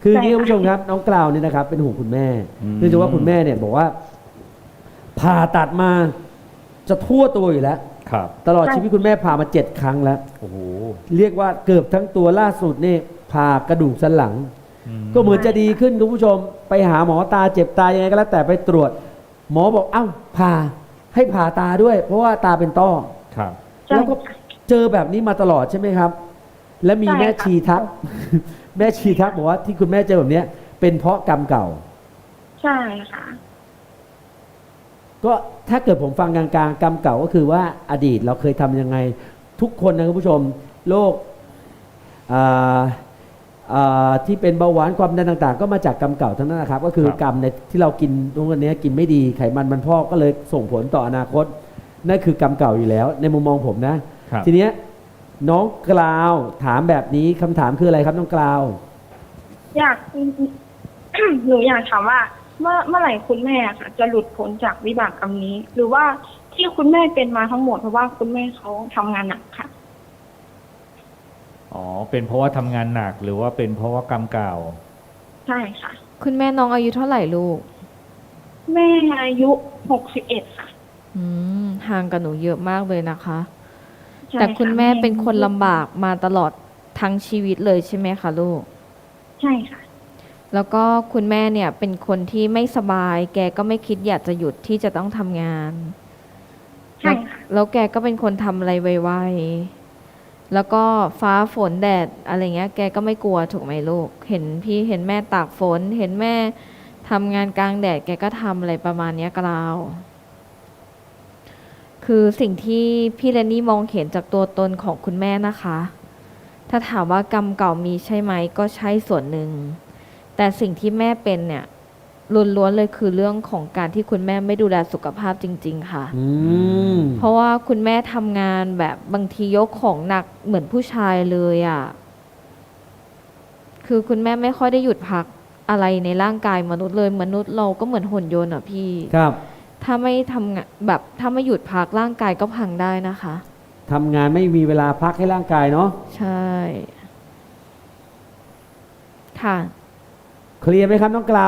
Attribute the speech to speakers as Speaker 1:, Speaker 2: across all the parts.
Speaker 1: คืออ
Speaker 2: ใช่
Speaker 1: ย่างนี้คุณ
Speaker 2: ค่ะ
Speaker 1: ผู้ชมครับน้องกล่าวเนี่ยนะครับเป็นห่วงคุณแม่
Speaker 3: อืม
Speaker 1: เนื่องจากว่าคุณแม่เนี่ยบอกว่าผ่าตัดมาจะทั่วตัวอยู่แล้ว
Speaker 3: ครับ
Speaker 1: ตลอดชีวิตคุณแม่ผ่ามา7 ครั้งแล้ว
Speaker 3: โอ้โห
Speaker 1: เรียกว่าเกือบทั้งตัวล่าสุดนี่ผ่ากระดูกสันหลัง ก็เหมือนจะดีขึ้นคุณผู้ชม ไปหาหมอตาเจ็บตายังไงก็แล้วแต่ไปตรวจ หมอบอกเอ้าผ่าให้ผ่าตาด้วย เพราะว่าตาเป็นต้อ
Speaker 3: ครับ
Speaker 2: ใช่
Speaker 1: แล้วก็เจอแบบนี้มาตลอดใช่ไหมครับ และมี
Speaker 2: ใช่
Speaker 1: แม่
Speaker 2: ค่ะ
Speaker 1: ชีทัก แม่ชีทักบอกว่าที่คุณแม่เจอแบบเนี้ยเป็นเพราะกรรมเก่า
Speaker 2: ใช่ค่ะ
Speaker 1: ก็ถ้าเกิดผมฟังกลางๆกรรมเก่าก็คือว่าอดีตเราเคยทำยังไง ทุกคนนะคุณผู้ชมโรคอ่าที่เป็นเบาหวานความดันต่างๆ ก็มาจากกรรมเก่าทั้งนั้นนะครับ ก็คือ
Speaker 3: ครับ
Speaker 1: กรรมในที่เรากินตรงนี้กินไม่ดีไขมันมันพอกก็เลยส่งผลต่ออนาคตนั่นคือกรรมเก่าอยู่แล้ว ในมุมมองผมนะ
Speaker 3: ครับ
Speaker 1: ทีเนี้ยน้องกล่าวถามแบบนี้คำถามคืออะไรครับน้องกล่าว
Speaker 2: อยาก หนูอยากถามว่าเมื่อไหร่คุณแม่ค่ะ จะหลุดพ้นจากวิบากกรรมนี้ หรือว่าที่คุณแม่เป็นมาทั้งหมดเพราะว่าคุณแม่เขาทำงานหนักค่ะ
Speaker 3: อ๋อ เป็นเพราะว่าทำงานหนักหรือว่าเป็นเพราะว่ากรรมเก่า
Speaker 2: ใช่ค่ะ
Speaker 4: คุณแม่น้องอายุเท่าไหร่ลูก
Speaker 2: แม่อายุ61ค่ะ
Speaker 4: ห่างกับหนูเยอะมากเลยนะคะ
Speaker 2: ใช่
Speaker 4: แต่คุณ
Speaker 2: ะ
Speaker 4: แม่เป็นคนลำบากมาตลอดทั้งชีวิตเลยใช่ไหมคะลูก
Speaker 2: ใช่ค่ะ
Speaker 4: แล้วก็คุณแม่เนี่ยเป็นคนที่ไม่สบาย แกก็ไม่คิดอยากจะหยุดที่จะต้องทำงาน
Speaker 2: ใช่ค่ะ
Speaker 4: แล้วแกก็เป็นคนทำอะไรไวๆ แล้วก็ฟ้าฝนแดดอะไรเงี้ย แกก็ไม่กลัวถูกไหมลูก เห็นพี่เห็นแม่ตากฝน เห็นแม่ทำงานกลางแดด แกก็ทำอะไรประมาณเนี้ยกล่าว คือสิ่งที่พี่เรนนี่มองเห็นจากตัวตนของคุณแม่นะคะ ถ้าถามว่ากรรมเก่ามีใช่ไหมก็ใช่ส่วนหนึ่ง แต่สิ่งที่แม่เป็นเนี่ยล้วนๆเลยคือเรื่องของการที่คุณแม่ไม่ดูแลสุขภาพจริง ๆ ค่ะ
Speaker 1: อืม
Speaker 4: เพราะว่าคุณแม่ทำงานแบบบางทียกของหนักเหมือนผู้ชายเลยอะ่ะ คือคุณแม่ไม่ค่อยได้หยุดพักอะไรในร่างกายมนุษย์เลย มนุษย์เราก็เหมือนหุ่นยนต์อ่ะพี่
Speaker 1: ครับ
Speaker 4: ถ้าไม่ทำงานแบบถ้าไม่หยุดพักร่างกายก็พังได้นะคะ
Speaker 1: ทำงานไม่มีเวลาพักให้ร่างกายเนาะ
Speaker 4: ใช่ ค่ะ
Speaker 1: เคลียร์ไหมครับน้องกล่าว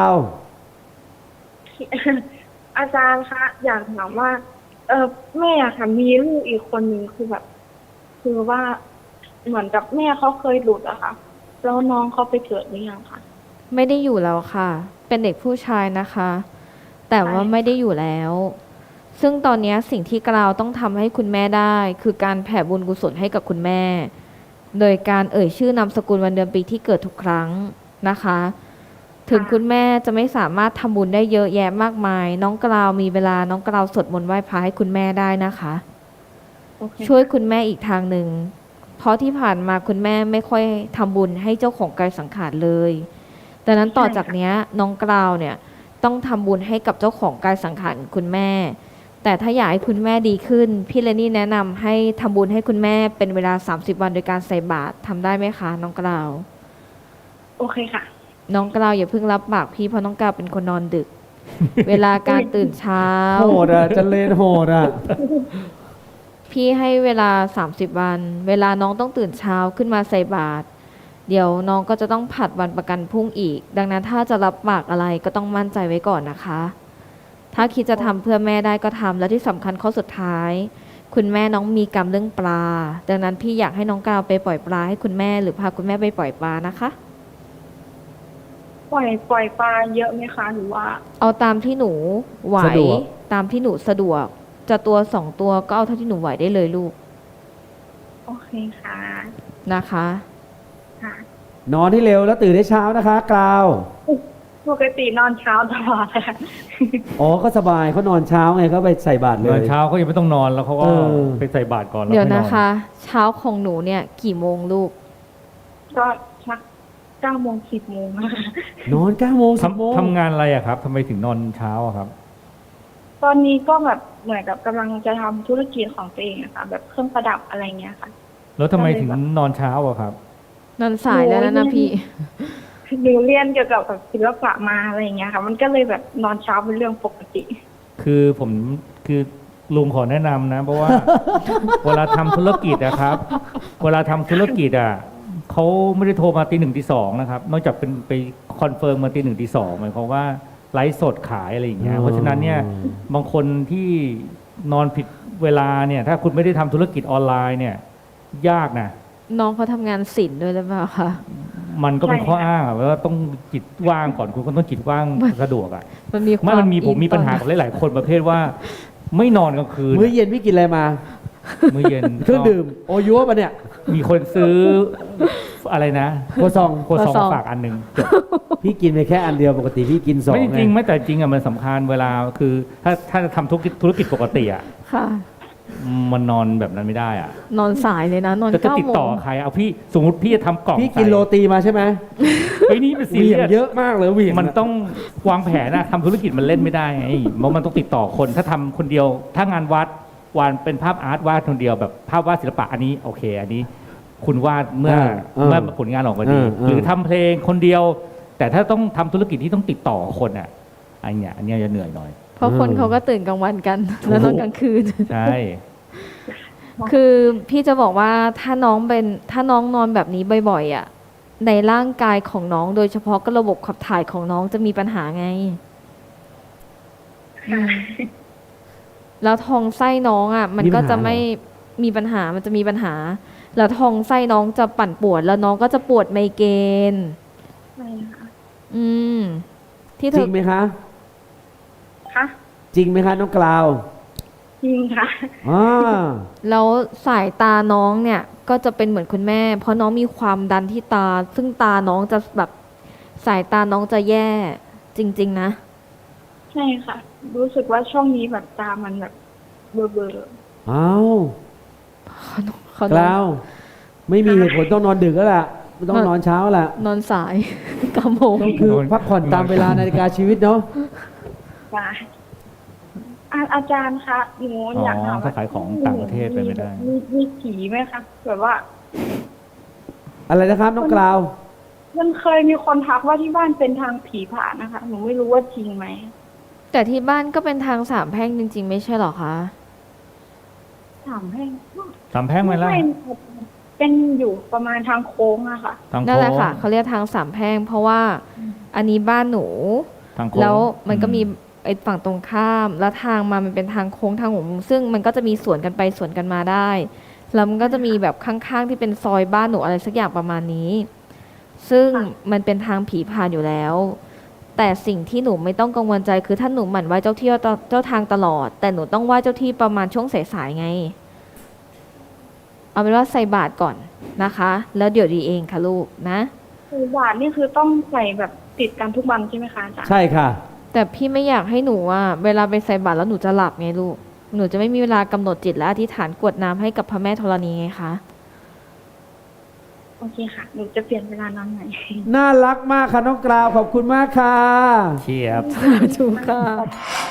Speaker 2: อาจารย์คะอยากถามว่า แม่อะค่ะมีลูกอีกคนหนึ่งคือแบบ คือว่าเหมือนกับแม่เขาเคยหลุดอะค่ะ แล้วน้องเขาไปเกิดหรือยังคะ
Speaker 4: ไม่ได้อยู่แล้วค่ะ เป็นเด็กผู้ชายนะคะ แต่ว่าไม่ได้อยู่แล้ว ซึ่งตอนนี้สิ่งที่กล่าวต้องทำให้คุณแม่ได้ คือการแผ่บุญกุศลให้กับคุณแม่ โดยการเอ่ยชื่อนามสกุลวันเดือนปีที่เกิดทุกครั้งนะคะ ถึงคุณแม่จะไม่สามารถทำบุญได้เยอะแยะมากมาย น้องกล่าวมีเวลาน้องกล่าวสวดมนต์ไหว้พระให้คุณแม่ได้นะคะ
Speaker 2: โอเค
Speaker 4: ช่วยคุณแม่อีกทางหนึ่ง เพราะที่ผ่านมาคุณแม่ไม่ค่อยทำบุญให้เจ้าของกายสังขารเลยดังนั้นต่อจากเนี้ยน้องกราวเนี่ยต้องทำบุญให้กับเจ้าของกายสังขารคุณแม่ แต่ถ้าอยากให้คุณแม่ดีขึ้น พี่เลนี่แนะนำให้ทำบุญให้คุณแม่เป็นเวลา30 วันโดยการใส่บาตรทำได้ไหมคะน้องกราว
Speaker 2: โอเคค่ะ
Speaker 4: น้องกราวอย่าเพิ่งรับปากพี่เพราะน้องกราวเป็นคนนอนดึก เวลาการตื่นเช้า
Speaker 1: โหดอ่ะเจะเลนโหดอ่ะ
Speaker 4: พี่ให้เวลา30 วัน เวลาน้องต้องตื่นเช้าขึ้นมาใส่บาตรเดี๋ยวน้องก็จะต้องผัดวันประกันพรุ่งอีก ดังนั้นถ้าจะรับปากอะไรก็ต้องมั่นใจไว้ก่อนนะคะ ถ้าคิดจะทำเพื่อแม่ได้ก็ทำและที่สำคัญข้อสุดท้าย คุณแม่น้องมีกรรมเรื่องปลา ดังนั้นพี่อยากให้น้องกาวไปปล่อยปลาให้คุณแม่หรือพาคุณแม่ไปปล่อยปลานะคะ
Speaker 2: ปล่อยปลาเยอะไหมคะ หรือว่า
Speaker 4: เอาตามที่หนูไหว
Speaker 1: สะดวก
Speaker 4: ตามที่หนูสะดวก จะตัว2 ตัวก็เอาเท่าที่หนูไหวได้เลยลูก
Speaker 2: โอเคค่ะ
Speaker 4: นะคะ
Speaker 2: ค่ะ
Speaker 1: นอนให้เร็วแล้วตื่นให้เช้านะคะกล่าว
Speaker 2: ปกตินอนเช้าตลอดค่ะ
Speaker 1: อ๋อก็สบายเขานอนเช้าไงเขาไปใส่บาตรเล
Speaker 3: ตอย นเช้าเขายังไม่ต้องนอนแล้วเขาก็
Speaker 1: เออ
Speaker 3: ไปใส่บาตรก่อนแล้ว
Speaker 4: เดี๋ยว
Speaker 3: ค่อยน
Speaker 4: นะ
Speaker 3: อน
Speaker 4: คะ เช้าของหนูเนี่ยกี่โมงลูก
Speaker 2: ก็ชัก9 โมง 10 โมงค่ะ
Speaker 1: นอน9 โมง 10 โมง
Speaker 3: ทำงานอะไรอะครับทำไมถึงนอนเช้าอะครับ
Speaker 2: ตอนนี้ก็แบบเหมือนกับกำลังจะทำธุรกิจของตัวเองอะค่ะ แบบเครื่องประดับอะไรเงี้ยค่ะ
Speaker 3: แล้วทำไมถึงนอนเช้าอะครับ
Speaker 4: นอนสายแล้วนะพี่
Speaker 2: หนูเรียนเกี่ยวกับแบบศิลปะมาอะไรเงี้ยค่ะ มันก็เลยแบบนอนเช้าเป็นเรื่องปกติ
Speaker 3: คือลุงขอแนะนำนะ เพราะว่า เวลาทำธุรกิจอะครับ เวลาทำธุรกิจอะขเขาไม่ได้โทรมาตีหนึ่งตีสองนะครับ นอกจากเป็นไปคอนเฟิร์มมาตีหนึ่งตีสองหมายความว่าไลฟ์สดขายอะไรอย่างเงี้ย เพราะฉะนั้นเนี่ยบางคนที่นอนผิดเวลาเนี่ย ถ้าคุณไม่ได้ทำธุรกิจออนไลน์เนี่ย ยากนะ
Speaker 4: น้องเขาทำงานศิลป์ด้วยหรือเปล่าคะ
Speaker 3: มันก็เป็นข้ออ้างอะว่าต้องจิตว่างก่อนคุณก็ต้องจิตว่างสะดวกอ่ะ
Speaker 4: มันมีความ
Speaker 3: มันมีผมมี
Speaker 4: อิน
Speaker 3: ปัญหา
Speaker 4: ต
Speaker 3: กับหลายๆคนประเภทว่า ไม่นอนกลางคืน
Speaker 1: มื้อเย็นพี่กินอะไรมา
Speaker 3: มื้อเย็น
Speaker 1: เครื่องดื่มโอยัวปะเนี่ย
Speaker 3: มีคนซื้ออะไรนะ
Speaker 1: โคซอง
Speaker 3: โคซองมาฝากอันหนึ่งจบ
Speaker 1: พี่กินไปแค่อันเดียวปกติพี่กินสอง
Speaker 3: ไม่จริง
Speaker 1: ไง
Speaker 3: ไม่แต่จริงอ่ะมันสำคัญเวลาคือถ้าจะทำธุรกิจปกติอ่ะ
Speaker 4: ค่ะ
Speaker 3: มันนอนแบบนั้นไม่ได้อ่ะ
Speaker 4: นอนสายเลยนะ นอน
Speaker 3: จะ
Speaker 4: เก้า
Speaker 3: ติด
Speaker 4: โม
Speaker 3: ต่อง ใครเอาพี่สมมติพี่จะทำกล่อง
Speaker 1: พี่กินโรตีมาใช่ไหม
Speaker 3: ไอ้ยนี่เป็น
Speaker 1: เห
Speaker 3: ซี
Speaker 1: วี่
Speaker 3: เรี
Speaker 1: ยง
Speaker 3: ยส
Speaker 1: เยอะมากเลยเหวี่ยง
Speaker 3: มันต้องวางแผนนะทำธุรกิจมันเล่นไม่ได้ไงเพราะมันต้องติดต่อคนถ้าทำคนเดียวถ้างานวัดวานเป็นภาพอาร์ตวาดคนเดียวแบบภาพวาดศิลปะอันนี้โอเค อันนี้ คุณวาดเมื่อผลงานออกมาดี หรือทำเพลงคนเดียว แต่ถ้าต้องทำธุรกิจที่ต้องติดต่อคนอ่ะอันเนี้ยจะเหนื่อยหน่อย
Speaker 4: เพราะคนเขาก็ตื่นกลางวันกัน แล้วนอนกลางคืน
Speaker 3: ใช่
Speaker 4: คือพี่จะบอกว่าถ้าน้องนอนแบบนี้บ่อยๆอ่ะ ในร่างกายของน้องโดยเฉพาะก็ระบบขับถ่ายของน้องจะมีปัญหาไง แล้วท้องไส้น้องอ่ะ มันก็จะไม่มีปัญหา มันจะมีปัญหา แล้วท้องไส้น้องจะปั่นปวด แล้วน้องก็จะปวดไมเกรน
Speaker 2: ใช่ค่ะ
Speaker 4: อืม ที่เธ
Speaker 1: จริ
Speaker 4: อ
Speaker 1: งไหมคะ
Speaker 2: ค่ะ
Speaker 1: จริงไหมคะน้องกล่าว
Speaker 2: จริงค่ะ
Speaker 1: อ่า
Speaker 4: แล้วสายตาน้องเนี่ย ก็จะเป็นเหมือนคุณแม่ เพราะน้องมีความดันที่ตา ซึ่งตาน้องจะแบบสายตาน้องจะแย่ จริง ๆ นะ
Speaker 2: ใช่ค่ะ รู้สึกว่าช่วงนี้แบบตามันแบบเบลอ
Speaker 1: อ้าว
Speaker 4: เขา
Speaker 1: กล่าว ไม่มีเหตุผลต้องนอนดึกแล้วล่ะต้องนอนเช้าแหละ
Speaker 4: นอนสาย 9 โมง
Speaker 1: ก็คือพักผ่อนตามเวลานาฬิกาชีวิตเนาะ
Speaker 2: ๆค่ะอาจารย์คะหนูอยากถาม
Speaker 3: ถ้าขายของต่างประเทศไปไม่ได้
Speaker 2: มีผีไหมคะแบบว่า
Speaker 1: อะไรนะครับน้องกล่าว
Speaker 2: มันเคยมีคนทักว่าที่บ้านเป็นทางผีผ่านนะคะ หนูไม่รู้ว่าจริงไหม
Speaker 4: แต่ที่บ้านก็เป็นทางสามแพร่งจริง ๆ ไม่ใช่เหรอคะ
Speaker 2: ถามให้
Speaker 3: สามแพร่งไหมล่ะ
Speaker 2: เป็นอยู่ประมาณทางโค้งอะค่ะ
Speaker 3: ทาง
Speaker 4: นั่น
Speaker 3: โค้
Speaker 4: แหละ
Speaker 3: ง
Speaker 4: ค่ะเขาเรียกทางสามแพร่ง เพราะว่าอันนี้บ้านหนู
Speaker 3: ทางโค้ง
Speaker 4: แล้วมันก็มีไอ้ฝั่งตรงข้าม แล้วทางมามันเป็นทางโค้งทางหัวมุมซึ่งมันก็จะมีสวนกันไปสวนกันมาได้ แล้วมันก็จะมีแบบข้างๆที่เป็นซอยบ้านหนูอะไรสักอย่างประมาณนี้ ซึ่ง
Speaker 2: ค่ะ
Speaker 4: มันเป็นทางผีผ่านอยู่แล้ว แต่สิ่งที่หนูไม่ต้องกังวลใจคือถ้าหนูหมั่นไหว้เจ้าที่เจ้าทางตลอด แต่หนูต้องไหว้เจ้าที่ประมาณช่วงสายๆไง เอาเป็นว่าใส่บาตรก่อนนะคะ แล้วเดี๋ยวดีเองค่ะลูกนะ
Speaker 2: คือบาทนี่คือต้องใส่แบบติดกันทุกวันใช่ไหมคะอาจารย์
Speaker 1: ใช่ค่ะ
Speaker 4: แต่พี่ไม่อยากให้หนูอ่ะเวลาไปใส่บาตรแล้วหนูจะหลับไงลูก หนูจะไม่มีเวลากำหนดจิตและอธิษฐานกรวดน้ำให้กับพระแม่ธรณีไงคะ
Speaker 2: โอเคค่ะ หนูจะเปลี่ยนเวลานอนใหม่
Speaker 1: น่ารักมากค่ะน้องกล่าวขอบคุณมากค่ะ
Speaker 3: เชียบ
Speaker 4: ถูกค่ะ